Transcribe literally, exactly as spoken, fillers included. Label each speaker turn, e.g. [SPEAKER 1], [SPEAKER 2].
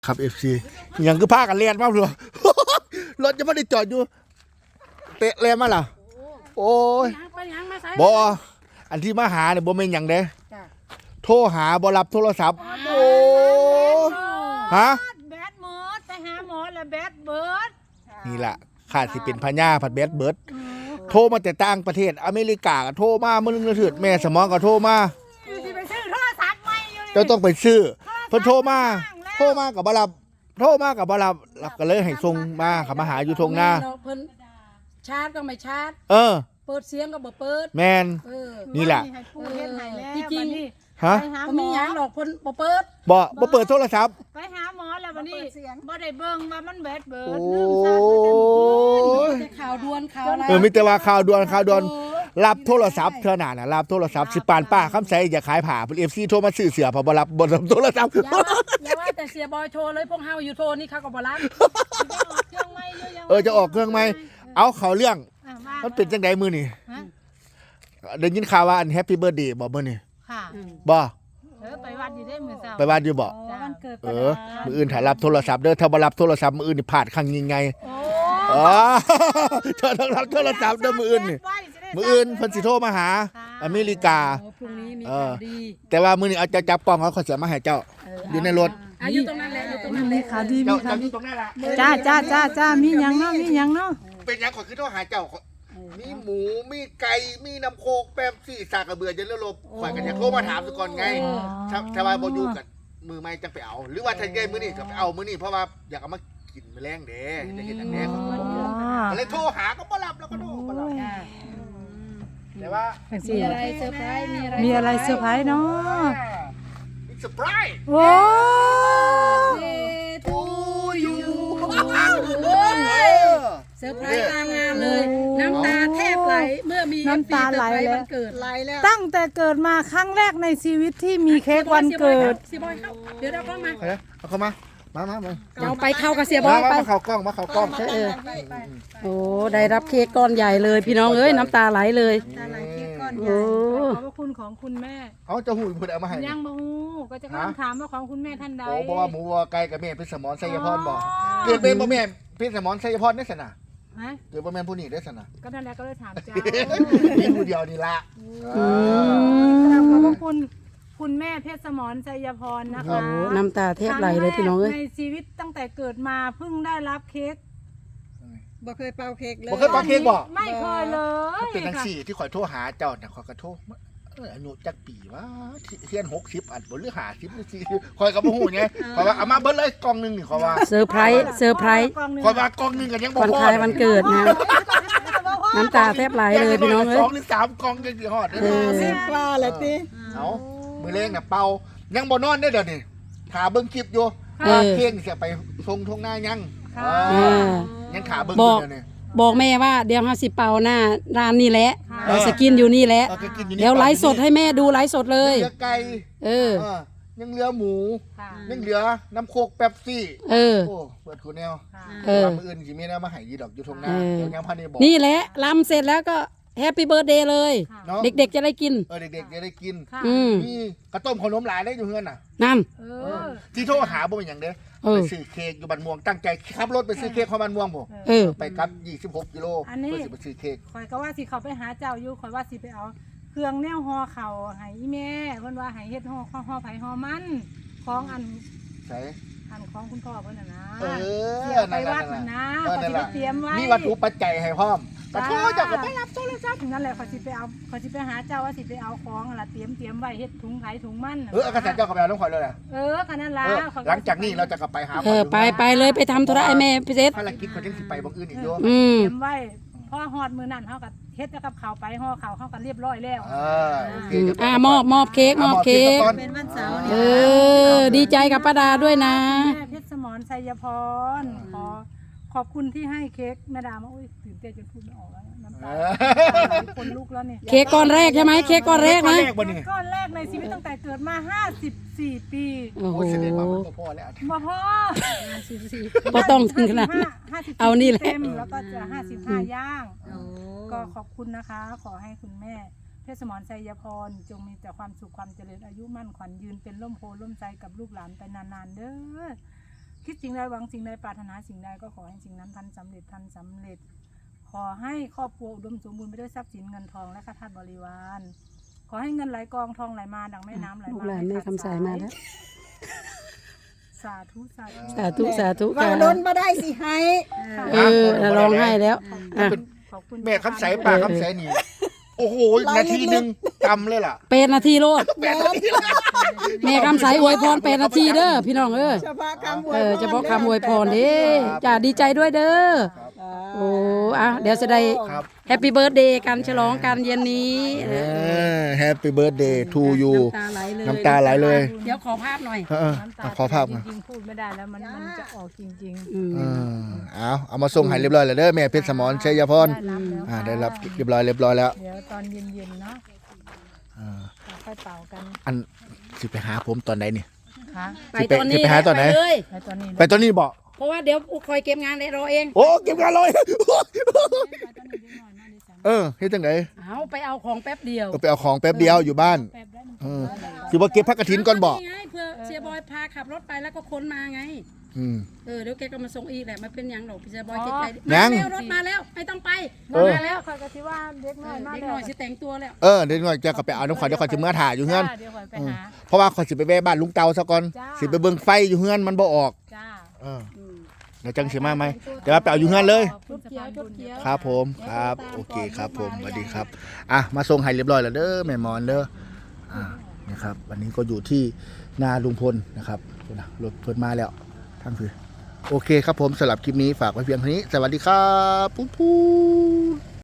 [SPEAKER 1] ครับเอฟซียังคือพากันเรียนมากเลยรถจะไม่ได้จอดอยู่เตะเรียนมาล่ะโอ้ยบออันที่มาหาเนี่ยบอเป็นอย่างเด้โทรหาบอรับโทรศัพท์โอ้ฮะ
[SPEAKER 2] แบดเบิร์ดไปหาหมอแล้วแบดเบิร์ด
[SPEAKER 1] นี่แหละขาดสิเป็นพญาผัดแบดเบิร์ดโทรมาแต่ต่างประเทศอเมริกาก็โทรมาเมื่อนึงถือแม่สมองก็โทรมาเจ้าต้องไปซื้อเพิ่นโทรมาโทรมากับบรับโทรมากับบรับรับก็เลยให้ส่งมาขับมาหาอยู่ทงหน้า
[SPEAKER 3] เพิ่นชาร์จก็ไม่ชาร์จ
[SPEAKER 1] เออ
[SPEAKER 3] เปิดเสียงก็บ่เปิด
[SPEAKER 1] แมนนี่แหละ
[SPEAKER 3] จริงจริง
[SPEAKER 1] ฮะ
[SPEAKER 3] บ่มีหยังดอกเพิ่นบ่เปิด
[SPEAKER 1] บ่บ่เปิดโทรศัพท์
[SPEAKER 2] ไปหาหมอแล้ววันนี้บ่ได้เบิ่งว่ามันแบดเบิร์ด
[SPEAKER 1] โอ้
[SPEAKER 2] ลืมชาร์จ
[SPEAKER 3] แต่ข่าวด่วนข่าวอะไร
[SPEAKER 1] เออมีแต่ว่าข่าวด่วนข่าวด่วนรับโทรศัพท์เท่านั้นน่ะรับโทรศัพท์สิปานป้าคำใสอย่าขายผ่าเพิ่น เอฟ ซี โทรมาซื้อเสื้อพอบ่รับบ่รับโทรศัพท์
[SPEAKER 3] อย่าว่าแต่เสียบอยโทรเลยพวกเฮาอยู่โทรนี่เขาก็บ่รับ
[SPEAKER 2] เครื่องไม่อยู่ยัง
[SPEAKER 1] เออจะออกเครื่องใหม่เอาเข้าเรื่องมันเป็นจังได๋มื้อนี้ได้ยินข่าวว่าอันแฮปปี้เบิร์ธเดย์บ่มื้อนี้
[SPEAKER 2] ค่ะ
[SPEAKER 1] บ่
[SPEAKER 2] เออไปวัดอยู่ได้มื้อเช้า
[SPEAKER 1] ไปวัดอยู่บ่
[SPEAKER 2] วันเกิด
[SPEAKER 1] เออมื้ออื่นถ้ารับโทรศัพท์เด้อถ้าบ่รับโทรศัพท์มื้ออื่นนี่พลาดครั้งยิ่งใหญ่อ๋อเธอต้องรับโทรศัพท์เด้อมื้ออื่นนี่มื้ออื่นเพิ่นสิโทรมาหาอเมริกา
[SPEAKER 3] พรุ่งนี้มีข่าวดี
[SPEAKER 1] แต่ว่ามื้อนี้เอาจะจับกล้องเขาขอเสียมาให้เจ้าอยู่ในรถ
[SPEAKER 3] อ่ะอยู่ตรงนั้นแหละอยู่ตรงนั้นแหละ
[SPEAKER 2] ข่าวดีมีข่าวดี
[SPEAKER 1] ตรงนั้นล่ะ
[SPEAKER 2] จ้าจ้าจ้าจ้ามีหยังเนาะมีหยังเนาะ
[SPEAKER 1] เป็นหยังขอคือโทรหาเจ้ามีหมูมีไก่มีน้ำโคกแป๊บซี่สากกระเบือจะเลือลบข่อยกันอยากโทรมาถามซะก่อนไงถ้าถ้าว่าบ่อยู่กันมือไม่จังไปเอาหรือว่าถ้าได้มื้อนี้ก็ไปเอามื้อนี้เพราะว่าอยากเอามากินแมลงเด้จะเฮ็ดจังได๋ก็เลยโทรหาก็บ่รับแล้วก็โทรบ่รับแต่ว่า
[SPEAKER 3] มีอะไรเซอร์ไพรส์มีอะไร
[SPEAKER 2] มีอะไรเซอร์ไพรส์เนาะ
[SPEAKER 1] มีเซอร์ไพรส์
[SPEAKER 2] โอ้
[SPEAKER 1] ทูยู
[SPEAKER 3] เซอร์ไพรส์ตามงานเลยน้ำตาแทบไหลเมื่อมี
[SPEAKER 2] น้ำตาไหลแล้ว
[SPEAKER 3] เกิดไหลแล้ว
[SPEAKER 2] ตั้งแต่เกิดมาครั้งแรกในชีวิตที่มีเค้กวันเกิด
[SPEAKER 3] เสียบอยเข้าเดี๋ยวเราเข้ามา
[SPEAKER 1] เอาเข้ามามามามา
[SPEAKER 3] เอาไปเข้ากับเสียบอยไป
[SPEAKER 1] มาเข้ากล้องมาเข้ากล้อง
[SPEAKER 3] เออโอ้ได้รับเค้กก้อนใหญ่เลยพี่น้องเอ้ยน้ำตาไหลเลย
[SPEAKER 2] ตาไหลเค้กก้อนใหญ่ขอบพระคุณของคุณแม่
[SPEAKER 1] เอาจะหูพูดเอามาให้
[SPEAKER 2] ยังบ่ฮู้ก็จะถามว่าของคุณแม่ท่านใด
[SPEAKER 1] โอ้บอกว่าหมูวัวไก่กับแม่พิสมรไสยพรบอกเกิดเป็นบ่แม่พิสมรไสยพรได้สนะ
[SPEAKER 2] ฮะ
[SPEAKER 1] เกิดบ่แม่ผู้นี้ได้สนะ
[SPEAKER 2] ก็นั่นแหละก็เลยถามเจ้า
[SPEAKER 1] มีผู้เดียวนี่ละ
[SPEAKER 2] ขอบพระคุณคุณแม่เพชรสมรชัยพรนะคะ
[SPEAKER 3] น้ำตาแทบไหลเลยพี่น้องเอ้ย
[SPEAKER 2] ในชีวิตตั้งแต่เกิดมาเพิ่งได้รับเค้ก
[SPEAKER 3] บ่เคยเป่าเค้กเลย
[SPEAKER 1] บ่เคยเป่าเค้กบ่
[SPEAKER 2] ไม่เคยเลย
[SPEAKER 1] เป็นจังซี่ที่ข่อยโทรหาเจ้าน่ะข่อยก็โทรเอออายุจักปีวะเทียนหกสิบอันบ่หรือห้าสิบหรือสี่สิบข่อยก็บ่ฮู้ไงข่อยว่าเอามาเบิดเลยกล่องนึงนี่ข่อยว่า
[SPEAKER 3] เซอร์ไพรส์เซอร์ไพรส์
[SPEAKER 1] ข่อยว่ากล่องนึงก็ยังบ่พอ
[SPEAKER 3] วันคล้ายวันเกิดนะน้ำตาแทบไหลเลยพี่น้องเอ้ย
[SPEAKER 1] สองหรือสามกล่องจังสิฮอดเด้อ
[SPEAKER 3] สิบ
[SPEAKER 2] ว่าแหละติ
[SPEAKER 1] เอามื้อแรงน่ะเป่ายังบ่นอนได้เดี๋ยวนี้ขาเบิ่งคลิปอยู่เค้กสิไปส่งทงหน้ายังยังขาเบิ่งอยู่เดี๋ยวนี้
[SPEAKER 3] บอกแม่ว่าเดี๋ยวเฮาสิเป่าหน้าร้านนี่แหละเราสกินอยู่นี่แหละเดี๋ยวไลฟ์สดให้แม่ดูไลฟ์สดเลย
[SPEAKER 1] เหลือไก่
[SPEAKER 3] เออ
[SPEAKER 1] ยังเหลือหมูยังเหลือน้ำโคกแป๊บซี่
[SPEAKER 3] เออ
[SPEAKER 1] โอ้เปิดคูแนว
[SPEAKER 3] เออ
[SPEAKER 1] มื้ออื่นสิมีแนวมาให้ยีดอกอยู่ทงหน้าเดี๋ยวยังพันได้บอก
[SPEAKER 3] นี่แหละลำเสร็จแล้วก็แฮปปี้เบิร์ธเดย์เลยเด็กๆจะได้กิน
[SPEAKER 1] เออเด็กๆจะได้กิน
[SPEAKER 3] มี
[SPEAKER 1] กระต้มขนมหลายได้อยู่เฮือนน่ะ
[SPEAKER 3] นั่น
[SPEAKER 1] ที่โทรหาบ่เป็นหยังเด้ไปซื้อเค้กอยู่บ้านม่วงตั้งใจขับรถไปซื้อเค้กของบ้านม่วงบ่ไปกลับยี่สิบหกกิโลเพื่อสิไปซื้อเค้ก
[SPEAKER 2] ข่อยก็ว่าสิเข้าไปหาเจ้าอยู่ข่อยว่าสิไปเอาเครื่องแนวห่อข้าวให้อีแม่เพิ่นว่าให้เฮ็ดห่อข้าวห่อไผห่อมันของอัน
[SPEAKER 1] ใส่
[SPEAKER 2] อันของคุณพ่อเพิ่นน่ะนะ
[SPEAKER 1] เออ
[SPEAKER 2] ไปวัดน่ะนะข่อยสิไปเตรียมไว้
[SPEAKER 1] มีวัตถุปัจจัยให้พร้อมกระโทษเจ้าก็ไปรับโทรศัพท์
[SPEAKER 2] นั่นแหละข่อยสิไปเอาข่อยสิไปหาเจ้าว่าสิไปเอาของล่ะเตรียมเตรียมไว้เฮ็ดถุงไผถุงมัน
[SPEAKER 1] เออเอากระแสเจ้าก็ไปเอาน้องข่อยเลยแหละ
[SPEAKER 2] เออคันนั้นล่ะ
[SPEAKER 1] หลังจากนี้เราจะกลับไปหา
[SPEAKER 3] เออไปไปเลยไปทำธุระไอ้แม่พี่เซฟ
[SPEAKER 1] ภารกิจเขาจังสิไปบางอื่นอีกอยู่
[SPEAKER 3] อืม
[SPEAKER 2] เตรียมไว้พอฮอดมื้อนั้นเฮาก็เฮ็ดกับข้าวไปห่อข้าวเฮาก็เรียบร้อยแล้ว
[SPEAKER 1] เออโอเค
[SPEAKER 3] อ่ามอบมอบเค้กมอบเค้ก
[SPEAKER 2] เป็นวันเสาร์
[SPEAKER 3] เออดีใจกับป้าดาด้วยนะ
[SPEAKER 2] แม่เพชรสมรชัยพรขอขอบคุณที่ให้เค้กแม่ดามาอุ้ยตื่นเต้นจนพูดไม่ออกแล้วน้ำตาคนลุกแล้วเนี่ย
[SPEAKER 3] เค้กก้อนแรกใช่ไหมเค้กก้อนแรกนะ
[SPEAKER 2] ก้อนแรกในชีวิตตั้งแต่เกิดมาห้าสิบสี่ปี
[SPEAKER 3] โอ้โห
[SPEAKER 1] บ่พอแล้ว
[SPEAKER 2] บ่พอ
[SPEAKER 3] ห้าสิบสี่บ่ต้องถึงขนาดเอานี่แหละ
[SPEAKER 2] เต็มแล้วก็จะห้าสิบห้าย่างก็ขอบคุณนะคะขอให้คุณแม่เพชรสมรชัยพรจงมีแต่ความสุขความเจริญอายุมั่นขวัญยืนเป็นร่มโพล่มใจกับลูกหลานไปนานๆเด้อคิดสิ่งใดหวังสิ่งใดปรารถนาสิ่งใดก็ขอให้สิ่งนั้นทันสำเร็จทันสำเร็จ ขอให้ครอบครัวอุดมสมบูรณ์ไปด้วยทรัพย์สินเงินทองและข้าทาสบริวาร ขอให้เงินไหลกองทองไหลมาดังแม่น้ำไหล
[SPEAKER 3] ลูก
[SPEAKER 2] มา
[SPEAKER 3] หลานแม่คำสายมาแล้ว
[SPEAKER 2] สาธุสาธุ
[SPEAKER 3] สาธุสาธุ
[SPEAKER 4] ว่า
[SPEAKER 3] ค่ะ
[SPEAKER 4] ล้นมาได้สิให้
[SPEAKER 3] เออร้องไห้แล้วอ่ะ
[SPEAKER 2] ขอบคุณ
[SPEAKER 1] แม่คำใสปากคำใสนี่โอ้โหนาทีหนึงจำเลยล่ะ
[SPEAKER 3] เป็นนาทีโลด
[SPEAKER 1] แม่นาทีละ
[SPEAKER 3] แม่คำสายอวยพรเป็นนาทีเด้อพี่น้องเออ
[SPEAKER 4] เฉพาะคำอวย
[SPEAKER 3] เออเฉพาะคำอวยพรเด้จ้าดีใจด้วยเด้อโอ้อ่ะเดี๋ยวจะได้
[SPEAKER 1] ครับ
[SPEAKER 3] แฮปปี้เบิร์ดเดย์กันฉลองกันเย็นนี้
[SPEAKER 1] แฮปปี้เบิร์ดเดย์ทูยู
[SPEAKER 3] น้ำตาไหลเลย
[SPEAKER 1] น้ำตาไหลเลย
[SPEAKER 3] เดี๋ยวขอภาพหน่อย
[SPEAKER 1] เออ
[SPEAKER 2] น้ำตา
[SPEAKER 1] เอาขอภาพ
[SPEAKER 2] จ
[SPEAKER 1] มา
[SPEAKER 2] ริงๆพูดไม่ได้แล้วมันมันจะออกจริง
[SPEAKER 3] อืม
[SPEAKER 1] เออเอาเอามาส่งให้เรียบร้อยแล้วเด้อแม่เพชรสมรชัยพร
[SPEAKER 2] ได้รับแล้ว
[SPEAKER 1] อ่าได้รับเรียบร้อยเรียบร้อยแล้ว
[SPEAKER 2] เดี๋ยวตอนเย็นๆเนาะ
[SPEAKER 1] อ่า
[SPEAKER 2] ค่อยเป่ากัน
[SPEAKER 1] อันสิไปหาผมตอนไหนนี่
[SPEAKER 2] ค่ะ
[SPEAKER 3] ไปตอนนี้
[SPEAKER 1] จะไปหาตอนไหน
[SPEAKER 3] ปเลย
[SPEAKER 2] ในตอนนี้
[SPEAKER 1] ไปตอนนี้บอก
[SPEAKER 3] เพราะว่าเดี๋ยวคอยเก็บงานเลยรอเอง
[SPEAKER 1] โอ้เก็บงานเลย
[SPEAKER 2] ไปตอนนี้ได้หน่อยนะดิฉัน
[SPEAKER 1] เออเฮ็ดจังได
[SPEAKER 3] เอาไปเอาของแป๊บเดียว
[SPEAKER 1] เออไปเอาของแป๊บเดียวอยู่บ้าน
[SPEAKER 2] แป๊บได้หนึ่ง
[SPEAKER 1] เออคือว่าเก็บพักกฐินก่อนบอก
[SPEAKER 3] นี่ไงเพื่อเสียบอยพาขับรถไปแล้วก็ค้นมาไง
[SPEAKER 1] อืม
[SPEAKER 3] เออเดี๋ยวแกก็มาส่งอีกแหละมันเป็นหยังหรอกพี่เสียบอยเก็บไป
[SPEAKER 1] ยั
[SPEAKER 3] มาง แล้วรถมาแล้วไม่ต้องไป
[SPEAKER 1] เออ
[SPEAKER 3] มาแล้ว
[SPEAKER 2] คอยก็ที่ว่าเด็ก
[SPEAKER 3] เอ
[SPEAKER 2] น้อ
[SPEAKER 3] อย
[SPEAKER 2] มา
[SPEAKER 3] เด็ก
[SPEAKER 2] แล้
[SPEAKER 3] ห
[SPEAKER 2] ว
[SPEAKER 3] น่อยสิแต่งตัวแล้ว
[SPEAKER 1] เออเดี๋ยวหน่อยจะก็ไปเอาน้ำขวัญเดี๋ยวขวัญจะเมื่อถ่ายอยู่เฮือน
[SPEAKER 2] จ้าเดี๋ยวคอยไปหา
[SPEAKER 1] เพราะว่าขอยสิไปแวะบ้านลุงเตาซะก่อน
[SPEAKER 2] จ้า
[SPEAKER 1] สิไปเบิ่งไฟอยู่เฮือนมันบ่ออก
[SPEAKER 2] จ้า
[SPEAKER 1] เออ
[SPEAKER 3] อืม
[SPEAKER 1] เดี๋ยวจังสิมาไหมเดี๋ยวว่าไปเอาอยู่เฮือนเลย
[SPEAKER 2] ขอบคุณสะพานบุญ
[SPEAKER 3] เขียว
[SPEAKER 1] ครับผมครับโอเคครับผมสวัสดีครับอ่ะมาส่งให้เรียบร้อยแล้วเด้อแม่หมอนเด้ออ่านี่ครับวันนี้ก็อยู่ที่นาลุงพลนะครับรถเพิ่นมาแล้วทั้งคือโอเคครับผมสำหรับคลิปนี้ฝากไว้เพียงเท่านี้สวัสดีครับปุ๊บปุ๊บ